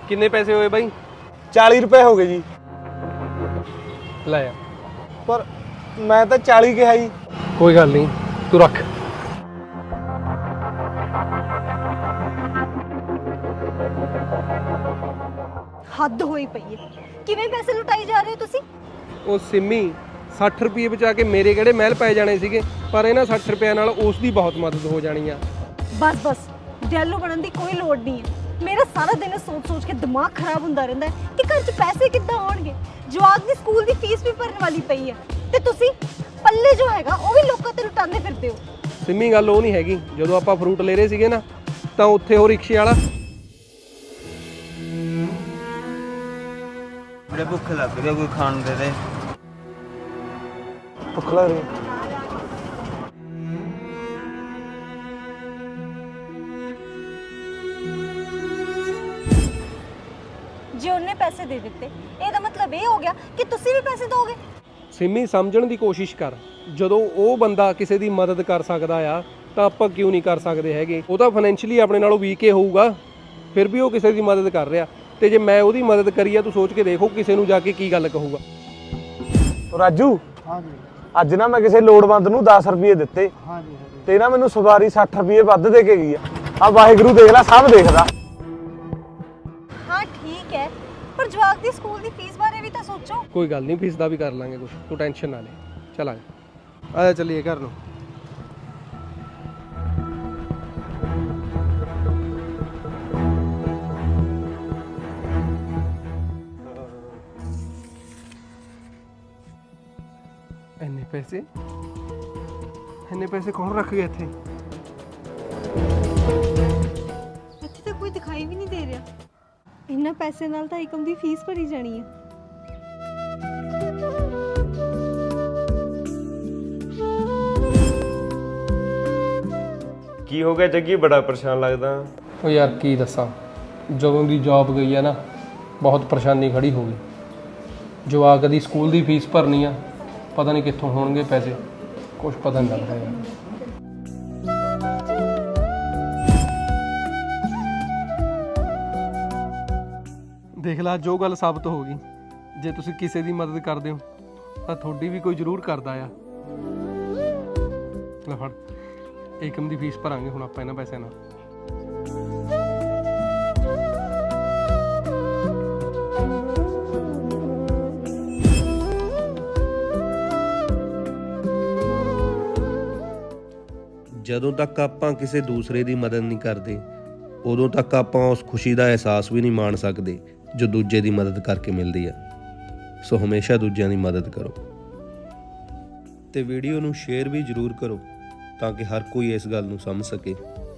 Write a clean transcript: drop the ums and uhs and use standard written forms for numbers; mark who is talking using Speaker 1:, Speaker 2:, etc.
Speaker 1: ਕਿੰਨੇ ਪੈਸੇ ਹੋਏ ਬਾਈ?
Speaker 2: 40 ਰੁਪਏ ਹੋ ਗਏ ਜੀ।
Speaker 1: ਲੈ ਆ।
Speaker 2: ਪਰ ਮੈਂ ਤਾਂ 40 ਕਿਹਾ ਜੀ।
Speaker 1: ਕੋਈ ਗੱਲ ਨਹੀਂ, ਤੂੰ ਰੱਖ।
Speaker 3: ਹੱਦ ਹੋਈ ਪਈ ਹੈ। ਕਿਵੇਂ ਪੈਸੇ ਲੁਟਾਈ ਜਾ ਰਹੇ ਹੋ ਤੁਸੀਂ?
Speaker 1: ਉਹ ਸਿੰਮੀ 60 ਰੁਪਏ ਬਚਾ ਕੇ ਮੇਰੇ ਕਿਹੜੇ ਮਹਿਲ ਪੈ ਜਾਣੇ ਸੀਗੇ, ਪਰ ਇਹਨਾਂ 60 ਰੁਪਏ ਨਾਲ ਉਸ ਦੀ ਬਹੁਤ ਮਦਦ ਹੋ ਜਾਣੀ ਆ।
Speaker 3: ਬਸ ਡੈਲੋ ਬਣਨ ਦੀ ਕੋਈ ਲੋੜ ਨਹੀਂ ਹੈ। ਮੇਰਾ ਸਾਰਾ ਦਿਨ ਸੋਚ ਕੇ ਦਿਮਾਗ ਖਰਾਬ ਹੁੰਦਾ ਰਹਿੰਦਾ ਹੈ ਕਿ ਘਰ 'ਚ ਪੈਸੇ ਕਿੱਦਾਂ ਆਉਣਗੇ। ਜਵਾਕ ਦੀ ਸਕੂਲ ਦੀ ਫੀਸ ਵੀ ਭਰਨ ਵਾਲੀ ਪਈ ਹੈ ਤੇ ਤੁਸੀਂ ਪੱਲੇ ਜੋ ਹੈਗਾ ਉਹ ਵੀ ਲੋਕਾਂ ਤੇ ਲੁਟਾਉਂਦੇ ਫਿਰਦੇ ਹੋ।
Speaker 1: ਸਿੰਮੀ ਗੱਲ ਉਹ ਨਹੀਂ ਹੈਗੀ, ਜਦੋਂ ਆਪਾਂ ਫਰੂਟ ਲੈ ਰਹੇ ਸੀਗੇ ਨਾ ਤਾਂ ਉੱਥੇ ਉਹ ਰਿਕਸ਼ੇ ਵਾਲਾ
Speaker 4: ਮੇਰੇ ਭੁੱਖ ਲੱਗ ਰਹੀ, ਕੋਈ ਖਾਣ ਦੇ ਦੇ।
Speaker 2: ਭੁੱਖ ਲੱਗ ਰਹੀ।
Speaker 3: ਜੇ ਉਹਨੇ ਪੈਸੇ ਦੇ ਦਿੱਤੇ ਇਹਦਾ ਮਤਲਬ ਇਹ ਹੋ ਗਿਆ ਕਿ ਤੁਸੀਂ ਵੀ ਪੈਸੇ ਦੋਗੇ।
Speaker 1: ਸਿੰਮੀ ਸਮਝਣ ਦੀ ਕੋਸ਼ਿਸ਼ ਕਰ, ਜਦੋਂ ਉਹ ਬੰਦਾ ਕਿਸੇ ਦੀ ਮਦਦ ਕਰ ਸਕਦਾ ਆ ਤਾਂ ਆਪਾਂ ਕਿਉਂ ਨਹੀਂ ਕਰ ਸਕਦੇ ਹੈਗੇ। ਉਹ ਤਾਂ ਫਾਈਨੈਂਸ਼ੀਅਲੀ ਆਪਣੇ ਨਾਲੋਂ ਵੀਕ ਹੀ ਹੋਊਗਾ, ਫਿਰ ਵੀ ਉਹ ਕਿਸੇ ਦੀ ਮਦਦ ਕਰ ਰਿਹਾ, ਤੇ ਜੇ ਮੈਂ ਉਹਦੀ ਮਦਦ ਕਰੀ ਆ ਤੂੰ ਸੋਚ ਕੇ ਦੇਖੋ ਕਿਸੇ ਨੂੰ ਜਾ ਕੇ ਕੀ ਗੱਲ ਕਹੂਗਾ।
Speaker 2: ਰਾਜੂ, ਹਾਂਜੀ, ਅੱਜ ਨਾ ਮੈਂ ਕਿਸੇ ਲੋੜਵੰਦ ਨੂੰ 10 ਰੁਪਏ ਦਿੱਤੇ। ਹਾਂਜੀ ਤੇ ਨਾ ਮੈਨੂੰ ਸਵਾਰੀ 60 ਰੁਪਏ ਵੱਧ ਦੇ ਕੇ ਗਈ ਆ ਵਾਹਿਗੁਰੂ ਦੇਖ ਲੈ, ਸਭ ਦੇਖਦਾ।
Speaker 3: ਹਾਂ ਠੀਕ ਹੈ, ਪਰ ਜਵਾਕ ਦੀ ਸਕੂਲ ਦੀ ਫੀਸ ਬਾਰੇ ਵੀ ਤਾਂ ਸੋਚੋ।
Speaker 1: ਕੋਈ ਗੱਲ ਨਹੀਂ, ਫੀਸ ਦਾ ਵੀ ਕਰ ਲਾਂਗੇ ਕੁਝ, ਤੂੰ ਟੈਨਸ਼ਨ ਨਾ ਲੈ। ਚੱਲ ਆ ਜਾ ਚੱਲੀਏ ਘਰ ਨੂੰ। ਇੰਨੇ ਪੈਸੇ ਕੌਣ ਰੱਖ ਗਿਆ ਇੱਥੇ?
Speaker 3: ਇੱਥੇ ਤਾਂ ਕੋਈ ਦਿਖਾਈ ਵੀ ਨਹੀਂ ਦੇ ਰਿਹਾ। ਇੰਨਾ ਪੈਸੇ ਨਾਲ ਤਾਂ ਏਕਮ ਦੀ ਫੀਸ ਭਰੀ ਜਾਣੀ ਹੈ।
Speaker 5: ਕੀ ਹੋ ਗਿਆ ਜੱਗੀ, ਬੜਾ ਪਰੇਸ਼ਾਨ ਲੱਗਦਾ।
Speaker 1: ਉਹ ਯਾਰ ਕੀ ਦੱਸਾਂ, ਜਦੋਂ ਦੀ ਜੌਬ ਗਈ ਆ ਨਾ ਬਹੁਤ ਪਰੇਸ਼ਾਨੀ ਖੜੀ ਹੋ ਗਈ। ਜਵਾਕ ਦੀ ਸਕੂਲ ਦੀ ਫੀਸ ਭਰਨੀ ਆ, ਪਤਾ ਨਹੀਂ ਕਿੱਥੋਂ ਹੋਣਗੇ ਪੈਸੇ, ਕੁਝ ਪਤਾ ਨਹੀਂ ਲੱਗਦਾ ਯਾਰ। ਦੇਖ ਲਾ, ਜੋ ਗੱਲ ਸਾਬਤ ਹੋ ਗਈ, ਜੇ ਤੁਸੀਂ ਕਿਸੇ ਦੀ ਮਦਦ ਕਰਦੇ ਹੋ ਤਾਂ ਤੁਹਾਡੀ ਵੀ ਕੋਈ ਜ਼ਰੂਰ ਕਰਦਾ ਆ। ਲੈ ਫੜ, ਏਕਮ ਦੀ ਫੀਸ ਭਰਾਂਗੇ ਹੁਣ ਆਪਾਂ ਇਹਨਾਂ ਪੈਸਿਆਂ ਨਾਲ।
Speaker 6: ਜਦੋਂ ਤੱਕ ਆਪਾਂ ਕਿਸੇ ਦੂਸਰੇ ਦੀ ਮਦਦ ਨਹੀਂ ਕਰਦੇ, ਉਦੋਂ ਤੱਕ ਆਪਾਂ ਉਸ ਖੁਸ਼ੀ ਦਾ ਅਹਿਸਾਸ ਵੀ ਨਹੀਂ ਮਾਣ ਸਕਦੇ ਜੋ ਦੂਜੇ ਦੀ ਮਦਦ ਕਰਕੇ ਮਿਲਦੀ ਆ। ਸੋ ਹਮੇਸ਼ਾ ਦੂਜਿਆਂ ਦੀ ਮਦਦ ਕਰੋ ਤੇ ਵੀਡੀਓ ਨੂੰ ਸ਼ੇਅਰ ਵੀ ਜ਼ਰੂਰ ਕਰੋ ਤਾਂ ਕਿ ਹਰ ਕੋਈ ਇਸ ਗੱਲ ਨੂੰ ਸਮਝ ਸਕੇ।